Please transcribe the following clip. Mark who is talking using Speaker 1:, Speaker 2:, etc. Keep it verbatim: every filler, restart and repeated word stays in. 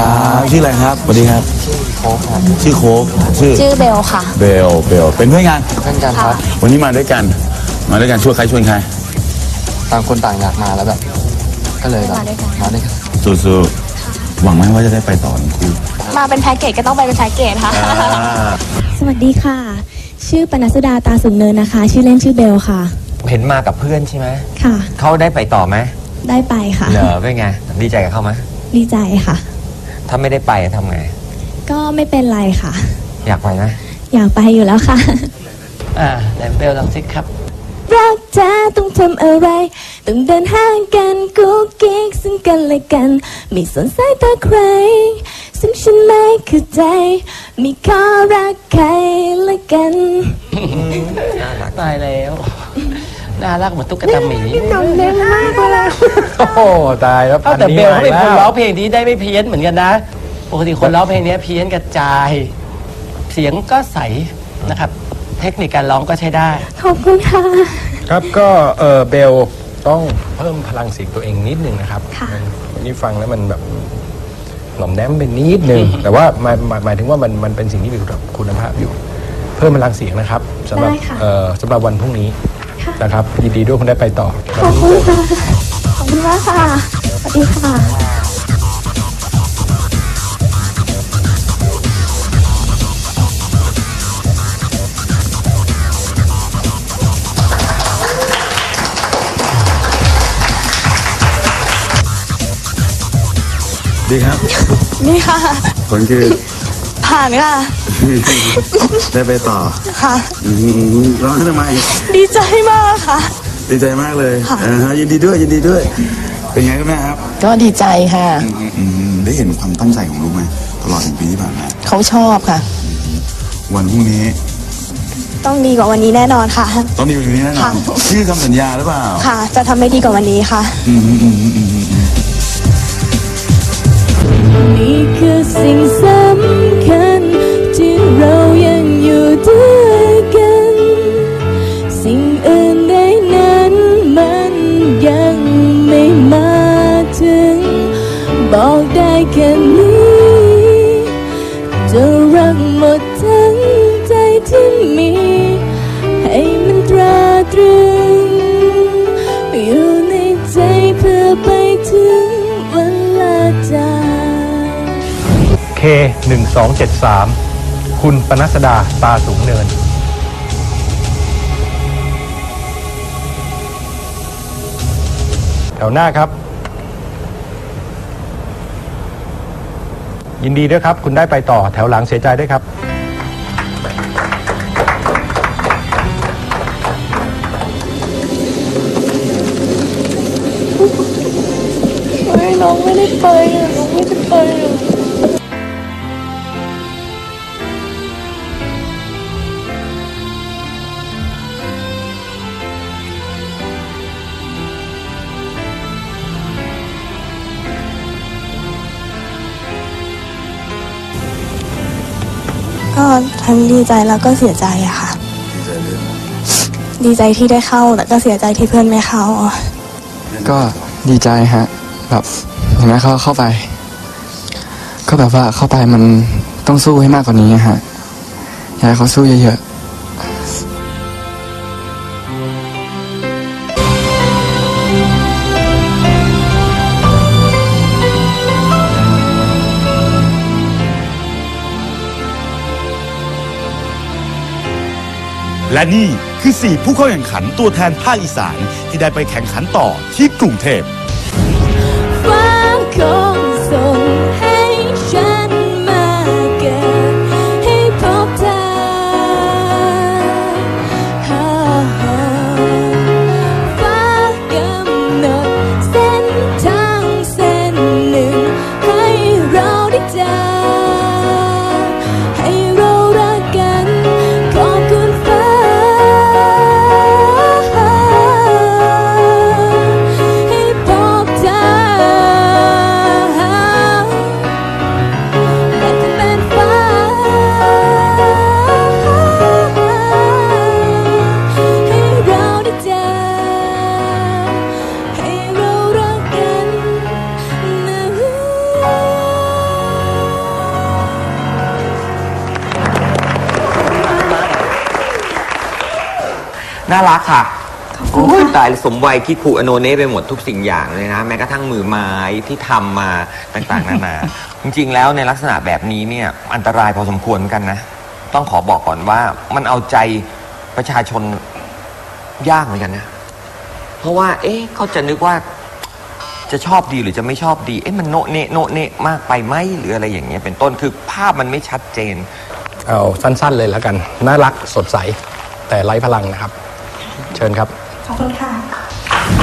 Speaker 1: ครับชื่ออะไรครับสวัสดีครับชื่อโค้กครับชื่อโค้กชื่อ
Speaker 2: ชื่อเบลค่ะ
Speaker 1: เบลเบลเป็นเพื่อนกัน
Speaker 3: เพื่อนกันครับ
Speaker 1: วันนี้มาด้วยกันมาด้วยกันชวนใครชวนใคร
Speaker 3: ต่างคนต่างอยากมาแล้วแบบก็เลยแบบมาด้วยกัน
Speaker 1: สู้ๆหวังไหมว่าจะได้ไปต่อทั้งคู่
Speaker 2: มาเป็นแพ็กเกจก็ต้องไปเป็นแพ็กเกจค่ะ
Speaker 4: สวัสดีค่ะชื่อปนัสดาตาสูงเนินนะคะชื่อเล่นชื่อเบลค่ะ
Speaker 5: เห็นมากับเพื่อนใช่ไหม
Speaker 4: ค่ะ
Speaker 5: เขาได้ไปต่อไหม
Speaker 4: ได้ไปค่ะ
Speaker 5: เหรอเป็นไงดีใจกับเขาไหม
Speaker 4: ดีใจค่ะ
Speaker 5: ถ้าไม่ได้ไปทำไง
Speaker 4: ก็ไม่เป็นไรค่ะ
Speaker 5: อยากไปนะ
Speaker 4: อยากไปอยู่แล้วค่ะ
Speaker 5: อ่าแลมเบลลองสิครับ
Speaker 4: รักเธอต้องทำอะไรต้องเดินห่างกันกุ๊กกิ๊กซึ่งกันและกันไม่สนสายตาใครซึ่งฉันไม่เข้าใจมีข้อรักใครละกัน
Speaker 5: น่ารักตายแล้วน่ารักเหมือนตุ๊กตาหมี
Speaker 4: น้องเล่นมากเลย
Speaker 6: โอ้โหตายแล้ว
Speaker 5: แต่เบลเขาเป็นคนร้องเพลงที่ได้ไม่เพี้ยนเหมือนกันนะปกติคนร้องเพลงนี้เพี้ยนกระจายเสียงก็ใสนะครับเทคนิคการร้องก็ใช้ได้
Speaker 4: ขอบคุณค่ะ
Speaker 6: ครับก็เออเบลต้องเพิ่มพลังเสียงตัวเองนิดนึงนะครับวันนี้ฟังแล้วมันแบบหน่อมแนมเป็นนิดนึงแต่ว่าหมายหมายถึงว่ามันมันเป็นสิ่งที่มีคุณภาพอยู่เพิ่มพลังเสียงนะครับสำหรับเอ่อสำหรับวันพรุ่งนี้นะครับยินดีด้วยคุณได้ไปต่อ
Speaker 4: ขอบคุณค่ะขอบคุณมากค่ะสวัสดีค่ะ
Speaker 1: ดีครับ
Speaker 2: นี่ค่ะ
Speaker 1: ผลคือ
Speaker 2: ผ่านค่ะ
Speaker 1: ได้ไปต่อ
Speaker 2: ค่ะ
Speaker 1: ร้องทำไม
Speaker 2: ดีใจมากค่ะ
Speaker 1: ดีใจมากเลยยินดีด้วยยินดีด้วยเป็นไงครับแม่ครับ
Speaker 7: ก็ดีใจค่ะ
Speaker 1: ได้เห็นความตั้งใจของลูกไหมตลอดหนึ่งปีที่ผ่านมา
Speaker 7: เขาชอบค่ะ
Speaker 1: วันพรุ่งนี้
Speaker 2: ต้องดีกว่าวันนี้แน่นอนค่ะ
Speaker 1: ต้องดีกว่าวันนี้แน่นอนชื่อคำสัญญาหรือเปล่า
Speaker 2: ค่ะจะทำให้ดีกว่าวันนี้ค่ะ
Speaker 4: นี่คือสิ่งสำคัญที่เรายังอยู่ด้วยกันสิ่งอื่นใดนั้นมันยังไม่มาถึงบอกได้แค่นี้จะรักหมดทั้งใจที่มีให้มันตราตรึงอยู่ในใจเพื่อไปถึงวันลาจาก
Speaker 6: เค หนึ่ง สอง เจ็ด สาม คุณปนัสดาตาสูงเนินแถวหน้าครับยินดีด้วยครับคุณได้ไปต่อแถวหลังเสียใจด้วยครับ
Speaker 2: ไม่น้องไม่ได้ไปอ่ะน้องไม่ได้ไปอ่ะก็ทั้งดีใจแล้วก็เสียใจอะค่ะดีใจที่ได้เข้าแต่ก็เสียใจที่เพื่อนไม่เข้า
Speaker 3: ก็ดีใจฮะแบบอย่างนั้นเขาเข้าไปก็แบบว่าเข้าไปมันต้องสู้ให้มากกว่านี้ฮะอยากให้เขาสู้เยอะๆ
Speaker 8: และนี่คือสี่ผู้เข้าแข่งขันตัวแทนภาคอีสานที่ได้ไปแข่งขันต่อที่กรุงเทพ
Speaker 4: ฟ้าคงส่งให้ฉันมาเกิดให้พบเธอฟ้ากำหนดเส้นทางเส้นหนึ่งให้เราได้เจอให้เรารักกันขอบคุณฟ้าให้พบ
Speaker 7: น่ารักค่ะโอ้ยตายสมวัยคิดคูอโนเน่ไปหมดทุกสิ่งอย่างเลยนะแม้กระทั่งมือไม้ที่ทำมาต่างๆนานา จริงๆแล้วในลักษณะแบบนี้เนี่ยอันตรายพอสมควรเหมือนกันนะต้องขอบอกก่อนว่ามันเอาใจประชาชนยากเหมือนกันนะเพราะว่าเอ๊ะเขาจะนึกว่าจะชอบดีหรือจะไม่ชอบดีเอ๊ะมันโนเนะโนเนะมากไปไหมหรืออะไรอย่างเงี้ยเป็นต้นคือภาพมันไม่ชัดเจน
Speaker 6: เอาสั้นๆเลยแล้วกันน่ารักสดใสแต่ไร้พลังนะครับเชิญครับ
Speaker 2: ขอบคุณค่ะ